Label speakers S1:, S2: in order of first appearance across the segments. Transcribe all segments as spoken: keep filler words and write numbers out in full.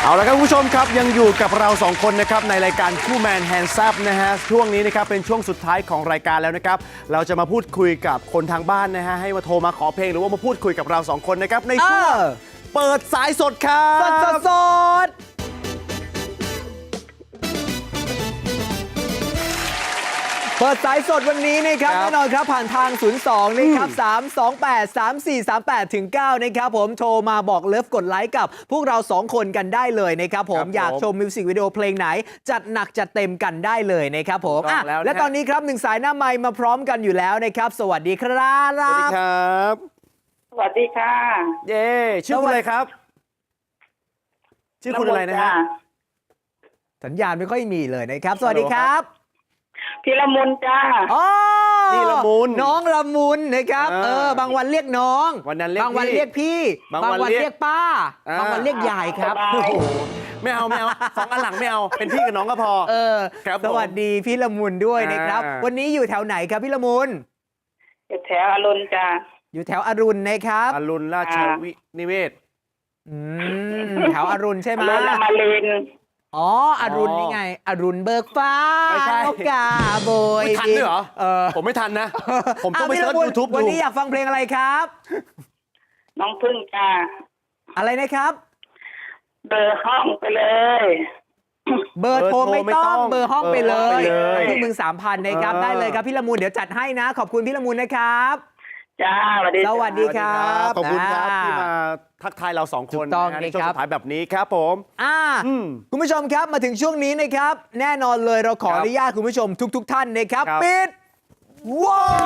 S1: เอาละครับคุณผู้ชมครับยังอยู่กับเราสองคนนะครับในรายการคู่แมนแฮนด์ซับนะฮะช่วงนี้นะครับเป็นช่วงสุดท้ายของรายการแล้วนะครับเราจะมาพูดคุยกับคนทางบ้านนะฮะให้มาโทรมาขอเพลงหรือว่ามาพูดคุยกับเราสองคนนะครับในช่วงเปิดสายสดครับ
S2: สดสดสดเปิดสายสดวันนี้นะครับแน่นอนครับผ่านทาง ศูนย์ สอง นะครับ สาม สอง แปด สาม สี่ สาม แปด ถึง เก้า นะครับผมโทรมาบอกเลิฟกดไลค์กับพวกเราสองคนกันได้เลยนะครับผมอยากชมมิวสิกวิดีโอเพลงไหน จัดหนักจัดเต็มกันได้เลยนะครับผมอ่ะและตอนนี้ครับหนึ่งสายหน้าไมค์มาพร้อมกันอยู่แล้วนะครับสวัสดีครับ
S1: สวัสดีครับ
S3: สวัสดีค่ะ
S1: เย้ชื่อคุณอะไรครับชื่อคุณอะไรนะฮะ
S2: สัญญาณไม่ค่อยมีเลยนะครับสวัสดีครับ
S3: พี่ละมุนจ้า
S2: อ๋อ
S1: นี่ละมุน
S2: น้องละมุนนะครับ
S1: อ่า
S2: เออบางวันเรียกน้อง
S1: วันนั้นเรียก
S2: บางวัน
S1: พี่
S2: เรียกพี่
S1: บาง
S2: บาง
S1: วัน
S2: วัน
S1: เรียก
S2: เรียกป้า
S1: อ่า
S2: บางวันเรียกยายครับ
S3: สบาย
S1: โอ้โหไม่เอาไม่เอาสองอันหลังไม่เอาเป็นพี่กับน้องก็พอ
S2: เออ
S1: ครับผม
S2: สวัสดีพี่ละมุนด้วยนะครับ
S1: อ่า
S2: วันนี้อยู่แถวไหนครับพี่ละมุน
S3: อยู่แถวอรุณจ้า
S2: อยู่แถวอรุณนะครับ
S1: อรุณราชวินิเวศ
S2: อืมแถวอรุณใช่ไหม
S3: อรุณอมรินทร์
S2: อ๋ออรุณ
S1: อ๋อ
S2: นี่ไง อรุณเบิกฟ้า
S1: ไม่ใช่
S2: นกกาโบย
S1: ไม่ทันด้วยเหรอ
S2: เออ
S1: ผมไม่ทันนะ ผมต้องไป
S2: ะพี่
S1: เซิร์ช
S2: ละมุน
S1: ยูทูบ
S2: วัน
S1: ดู
S2: นี้อยากฟังเพลงอะไรครับ
S3: น้องพึ่งจ้า
S2: อะไรนะครับ
S3: เบอร์ห้องไปเลย
S2: เบอร์โทรไม่ต้องเบอร์ห้องไปเล
S1: เบอร์ห้อง
S2: ย
S1: ไปเลย
S2: พี่มึงสามพันนะครับ
S1: เออ
S2: ได้เลยครับพี่ละมุนเดี๋ยวจัดให้นะ ขอบคุณพี่ละมุนนะครับ
S3: จ้าสวัสดี
S2: ส
S3: จ้า
S2: วัสดีครับ
S1: ขอบคุณครับ
S2: อ่า
S1: ที่มาทักทายเราสองคน
S2: ถูกต้อง
S1: นะฮะใน
S2: นี่
S1: ช่วง
S2: ครับ
S1: สุดท้ายแบบนี้ครับผม
S2: อ่า
S1: อืม
S2: คุณผู้ชมครับมาถึงช่วงนี้นะครับ แน่นอนเลยเราขอ
S1: ครับ
S2: อนุญาตคุณผู้ชมทุก ๆ ท่านนะครับ
S1: ครับ
S2: ปิดโหว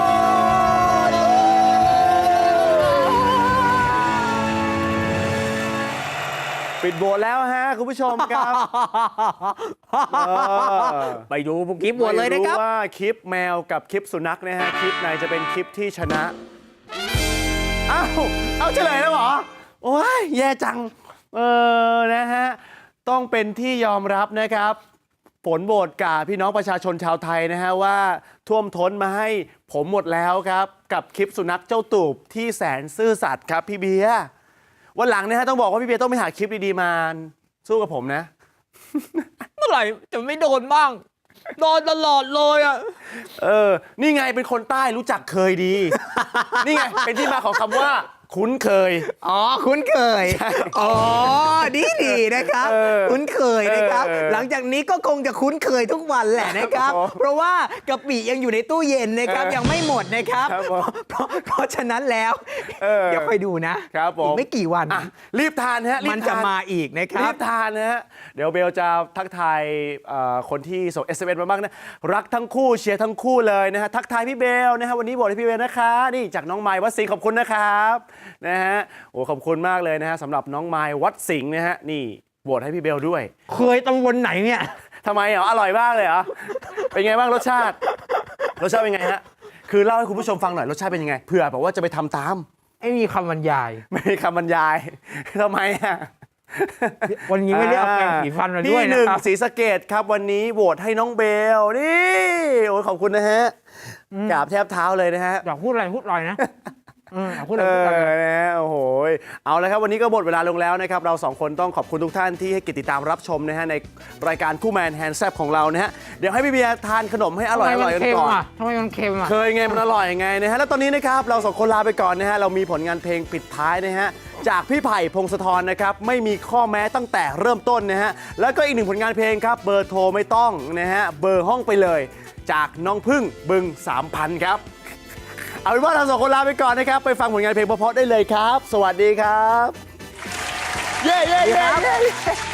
S2: ต
S1: ปิดโบสแล้วฮะคุณผู้ชมครับเออ
S2: ไปดูคลิปโหวตเลยนะครับ
S1: ไม่ว่าคลิปแมวกับคลิปสุนัขนะฮะคลิปไหนจะเป็นคลิปที่ชนะอ้าวเอาเฉลยแล้วเหรอโอ้ยแย่จังเออนะฮะต้องเป็นที่ยอมรับนะครับผลโหวตกาพี่น้องประชาชนชาวไทยนะฮะว่าท่วมท้นมาให้ผมหมดแล้วครับกับคลิปสุนัขเจ้าตูบที่แสนซื่อสัตย์ครับพี่เบียร์วันหลังนะฮะต้องบอกว่าพี่เบียร์ต้องไปหาคลิปดีๆมาสู้กับผมนะ
S2: เมื่อไหร่จะไม่โดนบ้าง โดนตลอดเลยอ่ะ
S1: เออ นี่ไงเป็นคนใต้รู้จักเคยดี นี่ไงเป็นที่มาของคำว่า คุ้นเคย
S2: อ๋อ คุ้นเคย อ๋อ ดีดีนะครับ
S1: เออ
S2: คุ้นเคยนะครับ
S1: เออ
S2: หลังจากนี้ก็คงจะคุ้นเคยทุกวันแหละนะครับ
S1: ครับผม
S2: เพราะว่ากะปิยังอยู่ในตู้เย็นนะครับ
S1: เออ
S2: ยังไม่หมดนะครับ
S1: ครับผม
S2: เพราะเพราะฉะนั้นแล้ว
S1: เออ
S2: เดี๋ยวค่อยดูนะครับ
S1: ผม
S2: อีกไม่กี่วัน
S1: อ่ะรีบทานฮะรีบ
S2: มันจะ
S1: ท
S2: มาอีกนะค
S1: รี
S2: รับ
S1: บทานนะฮะเดี๋ยวเบลจะทักทายเอ่อคนที่ส่ง เอส เอ็ม เอส มาบ้างนะรักทั้งคู่เชียร์ทั้งคู่เลยนะฮะทักทายพี่เบลนะฮะวันนี้บอกให้พี่เบลนะคะนี่จากน้องไมค์วัดสิงห์ขอบคุณนะครับนะฮะโอ้ขอบคุณมากเลยนะฮะสำหรับน้องไมค์วัดสิงห์นะฮะนี่โหวตให้พี่เบลด้วย
S2: เคยตำบลไหนเนี่ย
S1: ทำไมเหรออร่อยมากเลยเหรอเป็นไงบ้างรสชาติรสชาติเป็นไงฮะคือเล่าให้คุณผู้ชมฟังหน่อยรสชาติเป็นยังไงเผื่อแบบว่าจะไปทำตาม
S2: ไอ้มีคำบรรยาย
S1: ไม่มีคำบรรยาย ทำไมอ่ะ
S2: วันนี้ไม่ได้เอาแปรงสีฟันมาด้วย
S1: พี่ห
S2: นะ
S1: นึ่ง
S2: ครับ
S1: ศรีสะเกดครับวันนี้โหวตให้น้องเบลนี่โอ้ยขอบคุณนะฮะกราบแทบเท้าเลยนะฮะ
S2: อยากพูดอะไรพูดลอยนะอืมอยากพูดอะ
S1: เอ
S2: ไรพูดลอย
S1: อนะฮะโอ้โหเอาละครับวันนี้ก็หมดเวลาลงแล้วนะครับเราสองคนต้องขอบคุณทุกท่านที่ให้เกิจติดตามรับชมนะฮะในรายการคู่แมนแฮนด์แซบของเรานะฮะเดี๋ยวให้พี่เบียร์ทานขนมให้อร่อยอร่อยกันก่อน
S2: ทำไมมันเค็มอ่ะ
S1: เคยไงมันอร่อยไงนะฮะแล้วตอนนี้นะครับเราสองคนลาไปก่อนนะฮะเรามีผลงานเพลงปิดท้ายนะฮะจากพี่ไผ่พงศธรนะครับไม่มีข้อแม้ตั้งแต่เริ่มต้นนะฮะแล้วก็อีกหนึ่งผลงานเพลงครับเบอร์โทรไม่ต้องนะฮะเบอร์ห้องไปเลย จากน้องพึ่งบึง สามพัน ครับเอาเป็นว่าเราสองคนลาไปก่อนนะครับไปฟังผลงานเพลงเพราะๆได้เลยครับ สวัสดีครับเย้เย้เย้เย้